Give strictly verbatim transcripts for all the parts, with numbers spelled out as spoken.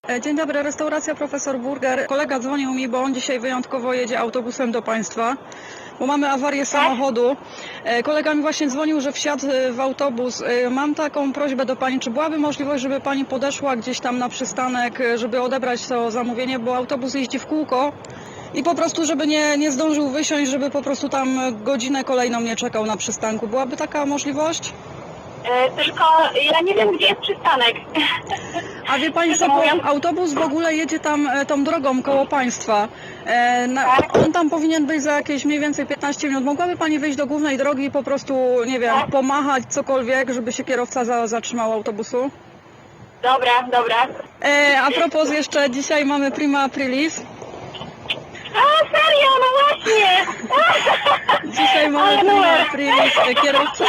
Dzień dobry, restauracja Profesor Burger. Kolega dzwonił mi, bo on dzisiaj wyjątkowo jedzie autobusem do Państwa, bo mamy awarię samochodu. Kolega mi właśnie dzwonił, że wsiadł w autobus. Mam taką prośbę do Pani, czy byłaby możliwość, żeby Pani podeszła gdzieś tam na przystanek, żeby odebrać to zamówienie, bo autobus jeździ w kółko i po prostu, żeby nie, nie zdążył wysiąść, żeby po prostu tam godzinę kolejną nie czekał na przystanku. Byłaby taka możliwość? E, tylko ja nie wiem, gdzie jest przystanek. A wie Pani co, bo autobus w ogóle jedzie tam e, tą drogą koło Państwa. E, na, Tak. On tam powinien być za jakieś mniej więcej piętnaście minut. Mogłaby Pani wyjść do głównej drogi i po prostu, nie wiem, Tak. pomachać cokolwiek, żeby się kierowca za, zatrzymał autobusu? Dobra, dobra. E, a propos jeszcze, dzisiaj mamy prima aprilis. A, serio, no właśnie! Dzisiaj mamy Ale prima numer. aprilis, e, kierowca.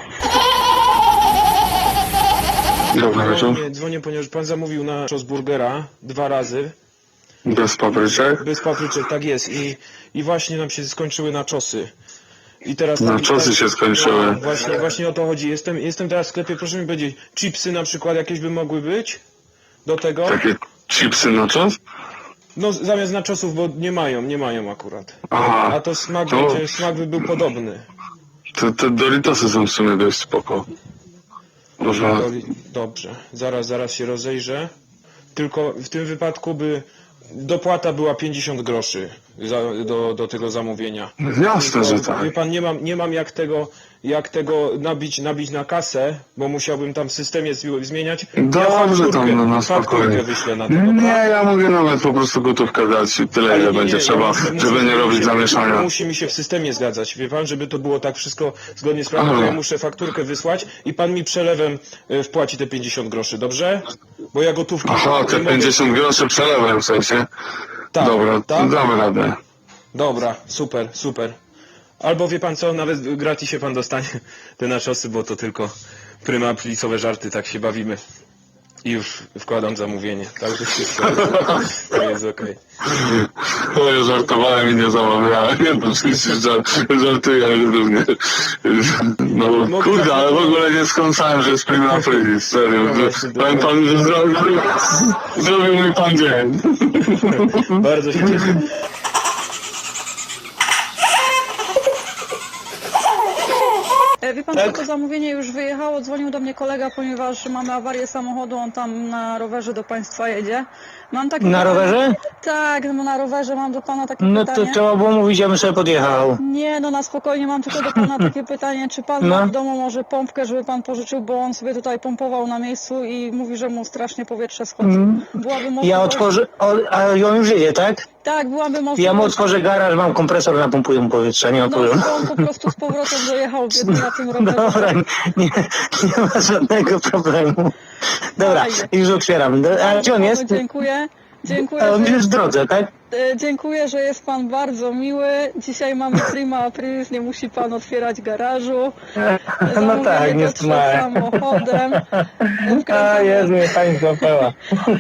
Dobry wieczór. Dzwonię, dzwonię, ponieważ pan zamówił na czos burgera dwa razy. Bez papryczek? Bez papryczek, tak jest. I, i właśnie nam się skończyły naczosy. I teraz Na tak- czosy tak- się skończyły. No, właśnie, właśnie o to chodzi. Jestem, jestem teraz w sklepie, proszę mi powiedzieć, chipsy na przykład jakieś by mogły być do tego? Takie chipsy na czos? No zamiast naczosów, bo nie mają, nie mają akurat. Aha. A to smak, To- wiecie, smak by był podobny. Te, te Doritosy są w sumie dość spoko. Można... Doli- Dobrze, zaraz, zaraz się rozejrzę. Tylko w tym wypadku by dopłata była pięćdziesiąt groszy za, do, do tego zamówienia. Jasne, że tak. Wie pan, nie mam, nie mam jak tego, jak tego nabić, nabić na kasę, bo musiałbym tam w systemie zmi- zmieniać. Dobrze, fakturkę- tam no, na fakturkę spokojnie. wyślę na tego. Nie, ja mogę nawet po prostu gotówkę dać i tyle, Ale ile nie, będzie nie, trzeba, ja muszę- żeby muszę- nie robić musi- zamieszania. Musi mi się w systemie zgadzać, wie pan, żeby to było tak wszystko zgodnie z prawem, to Aha. ja muszę fakturkę wysłać i pan mi przelewem e, wpłaci te pięćdziesiąt groszy, dobrze? Bo ja gotówki... Aha, te nie mogę- pięćdziesiąt groszy przelewem w sensie. Tak, Dobra, to tak? damy radę. Dobra, super, super. Albo wie pan co, nawet w gratisie pan dostanie te naczosy, bo to tylko prima apricowe żarty, tak się bawimy. I już wkładam zamówienie, także wszystko jest, to jest okej. No ja żartowałem i nie zamawiałem. Nie, to oczywiście żart, żartuję również. No kurde, ale w ogóle nie skąsałem, że jest prima aprilis, serio. Że- Powiem panu, że zrobił, zrobił mi pan dzień. Bardzo się cieszę. E, Wie Pan co, to zamówienie już wyjechało, dzwonił do mnie kolega, ponieważ mamy awarię samochodu, on tam na rowerze do Państwa jedzie. Mam takie Na pytanie- rowerze? Tak, no bo na rowerze mam do Pana takie No to pytanie. trzeba było mówić, ja bym sobie podjechał. Nie, no na spokojnie, mam tylko do Pana takie pytanie, czy Pan No. ma w domu może pompkę, żeby Pan pożyczył, bo on sobie tutaj pompował na miejscu i mówi, że mu strasznie powietrze schodzi. Byłaby możliwość... Ja otworzę, o, a on już jedzie, tak? Tak, byłaby możliwość... Ja mu otworzę garaż, mam kompresor, napompuję mu powietrze, nie ma No, problemu. to on po prostu z powrotem dojechał biedny na tym rowerze. Dobra, nie, nie ma żadnego problemu. Dobra, Fajnie. już otwieram. A gdzie on jest? Dziękuję. Dziękuję, A on że, jest w drodze, tak? e, dziękuję, że jest Pan bardzo miły. Dzisiaj mamy prima aprilis, nie musi Pan otwierać garażu. No Zamówienie tak, nie dotrze skumałem. samochodem. A Wkręcamy- jest mnie pani złapała.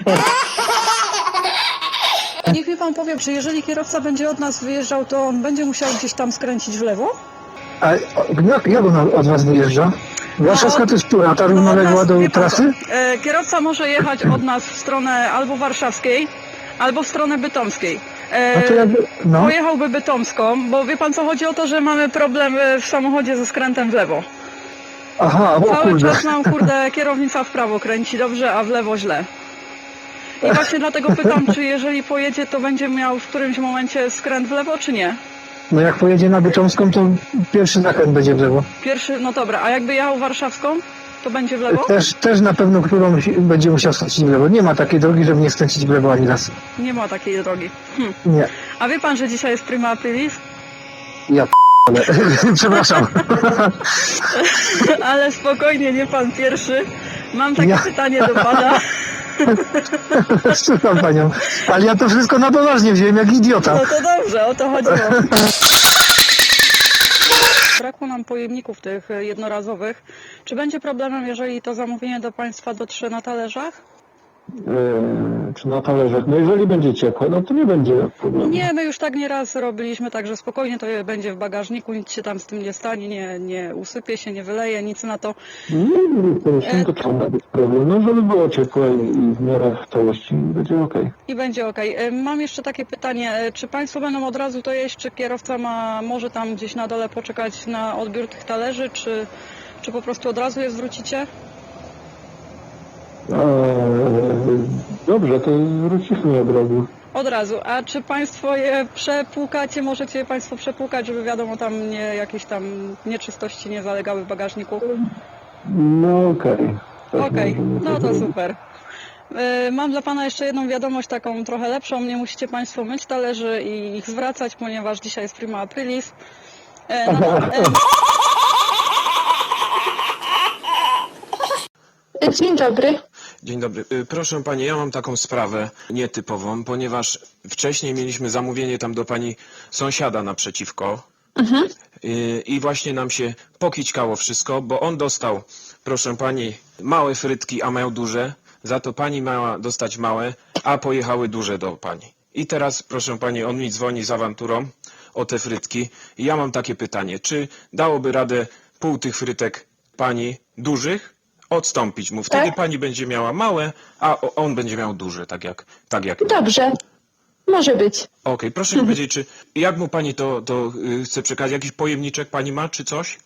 Niech mi Pan powie, czy jeżeli kierowca będzie od nas wyjeżdżał, to on będzie musiał gdzieś tam skręcić w lewo? A jak, jak on od was wyjeżdża? Warszawska to jest która? Ta No, od równoległa nas- do wie pan trasy? co, e, Kierowca może jechać od nas w stronę albo warszawskiej, albo w stronę bytomskiej. E, A to jakby, no, Pojechałby bytomską, bo wie Pan co, chodzi o to, że mamy problem e, w samochodzie ze skrętem w lewo. aha, o Cały kurde. czas nam, kurde, kierownica w prawo kręci dobrze, a w lewo źle. I właśnie dlatego pytam, czy jeżeli pojedzie, to będzie miał w którymś momencie skręt w lewo, czy nie? No jak pojedzie na Bytomską, to pierwszy zakręt będzie w lewo. Pierwszy, no dobra, a jakby jechał warszawską, to będzie w lewo? Też, też na pewno którą będzie musiał skręcić w lewo. Nie ma takiej drogi, żeby nie skręcić w lewo ani raz. Nie ma takiej drogi. Hm. Nie. A wie Pan, że dzisiaj jest prima aprilis? Ja p***le. Przepraszam. Ale spokojnie, nie Pan pierwszy. Mam takie Ja- pytanie do Pana. Słucham panią. Ale ja to wszystko na poważnie wziąłem jak idiota. No to dobrze, o to chodziło. Brakło nam pojemników tych jednorazowych. Czy będzie problemem, jeżeli to zamówienie do Państwa dotrze na talerzach? Yy, czy na talerzach. No jeżeli będzie ciepłe, no to nie będzie problemu. Nie, my już tak nieraz robiliśmy, także spokojnie to będzie w bagażniku, nic się tam z tym nie stanie, nie, nie usypie się, nie wyleje, nic na to. Nie, nie, to trzeba być problem. No żeby było ciepłe i w miarę całości, będzie okej. I będzie ok. Mam jeszcze takie pytanie, e, czy Państwo będą od razu to jeść, czy kierowca ma może tam gdzieś na dole poczekać na odbiór tych talerzy, czy, czy po prostu od razu je zwrócicie? Eee, Dobrze, to wrócimy od razu. Od razu. A czy Państwo je przepłukacie, możecie je Państwo przepłukać, żeby wiadomo tam nie, jakieś tam nieczystości nie zalegały w bagażniku? No okej. Tak Okej, możemy no to zrobić. super. E, Mam dla Pana jeszcze jedną wiadomość, taką trochę lepszą. Nie musicie Państwo myć talerzy i ich zwracać, ponieważ dzisiaj jest prima aprilis. E, na, e, Dzień dobry. Dzień dobry. Y, Proszę pani, ja mam taką sprawę nietypową, ponieważ wcześniej mieliśmy zamówienie tam do pani sąsiada naprzeciwko. Y, I właśnie nam się pokićkało wszystko, bo on dostał, proszę pani, małe frytki, a miał duże. Za to pani miała dostać małe, a pojechały duże do pani. I teraz, proszę pani, on mi dzwoni z awanturą o te frytki. I ja mam takie pytanie, czy dałoby radę pół tych frytek pani dużych odstąpić mu? Wtedy Tak. pani będzie miała małe, a o- on będzie miał duże, tak jak tak jak. Okej, Dobrze. Może być. proszę mi powiedzieć, czy jak mu pani to, to y, chce przekazać? Jakiś pojemniczek pani ma, czy coś?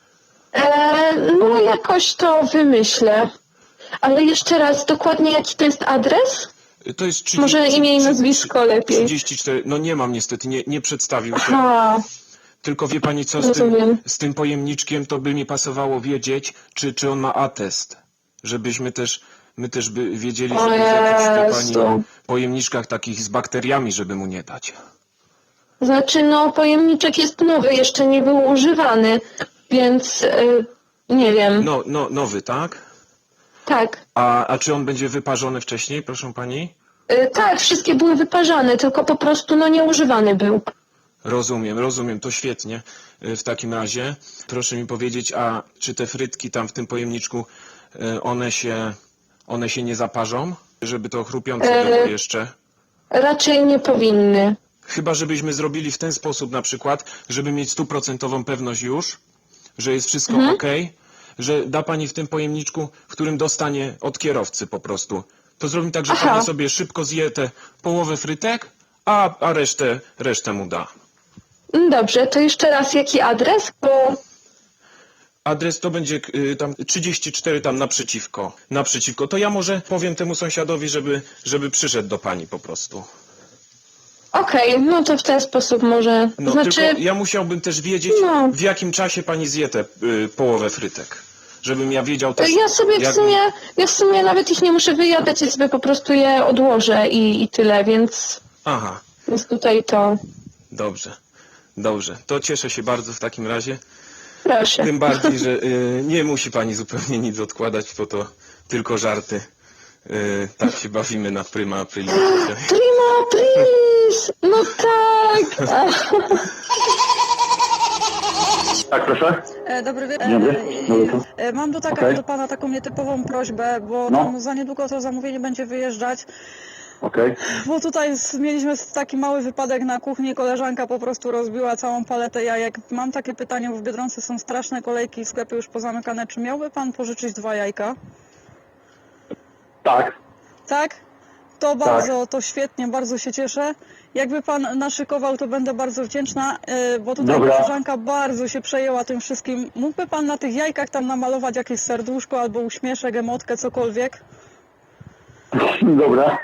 E, no jakoś to wymyślę. Ale jeszcze raz, dokładnie jaki to jest adres? Y, To jest trzydzieści, Może imię i nazwisko lepiej. trzydzieści cztery, no nie mam niestety, nie, nie przedstawił się. A, Tylko wie pani co, z tym, Rozumiem. z tym pojemniczkiem to by mi pasowało wiedzieć, czy, czy on ma atest. Żebyśmy też, my też by wiedzieli, O żeby w jakichś te Jezu. pani pojemniczkach takich z bakteriami, żeby mu nie dać. znaczy no pojemniczek jest nowy, jeszcze nie był używany, więc e, nie wiem. No, no, nowy, tak? Tak. A, a czy on będzie wyparzony wcześniej, proszę pani? E, tak, wszystkie były wyparzane, tylko po prostu no nieużywany był. Rozumiem, rozumiem, to świetnie. Y, W takim razie proszę mi powiedzieć, a czy te frytki tam w tym pojemniczku, y, one się, one się nie zaparzą? Żeby to chrupiące E, było jeszcze? Raczej nie powinny. Chyba żebyśmy zrobili w ten sposób na przykład, żeby mieć stuprocentową pewność już, że jest wszystko Mhm. ok, że da pani w tym pojemniczku, w którym dostanie od kierowcy po prostu. To zrobimy tak, że Aha. pani sobie szybko zje tę połowę frytek, a, a resztę, resztę mu da. Dobrze, to jeszcze raz jaki adres? Bo Adres to będzie y, tam trzydzieści cztery tam naprzeciwko. Naprzeciwko. To ja może powiem temu sąsiadowi, żeby, żeby przyszedł do pani po prostu. okej, no to w ten sposób może. No znaczy, tylko ja musiałbym też wiedzieć, No. w jakim czasie pani zje tę y, połowę frytek. Żebym ja wiedział też. ja sobie w jak- sumie, ja w sumie nawet ich nie muszę wyjadać, ja sobie po prostu je odłożę i, i tyle, więc, Aha, więc tutaj to dobrze. Dobrze. To cieszę się bardzo w takim razie. proszę. Tym bardziej, że y, nie musi pani zupełnie nic odkładać, bo to tylko żarty. Y, tak się bawimy na Prima Aprilis. Prima aprilis! No tak! Ach, Tak, proszę. E, Dobry wieczór. Dzień dobry. Dobry, to. E, Mam do, taka, Okej. do Pana taką nietypową prośbę, bo No. tam za niedługo to zamówienie będzie wyjeżdżać. Okej. Bo tutaj s- mieliśmy taki mały wypadek na kuchni, koleżanka po prostu rozbiła całą paletę jajek. Mam takie pytanie, bo w Biedronce są straszne kolejki, sklepy już pozamykane. Czy miałby Pan pożyczyć dwa jajka? Tak. Tak? To bardzo, to świetnie, bardzo się cieszę. Jakby Pan naszykował, to będę bardzo wdzięczna, yy, bo tutaj Dobra. koleżanka bardzo się przejęła tym wszystkim. Mógłby Pan na tych jajkach tam namalować jakieś serduszko albo uśmieszek, emotkę, cokolwiek? Dobra.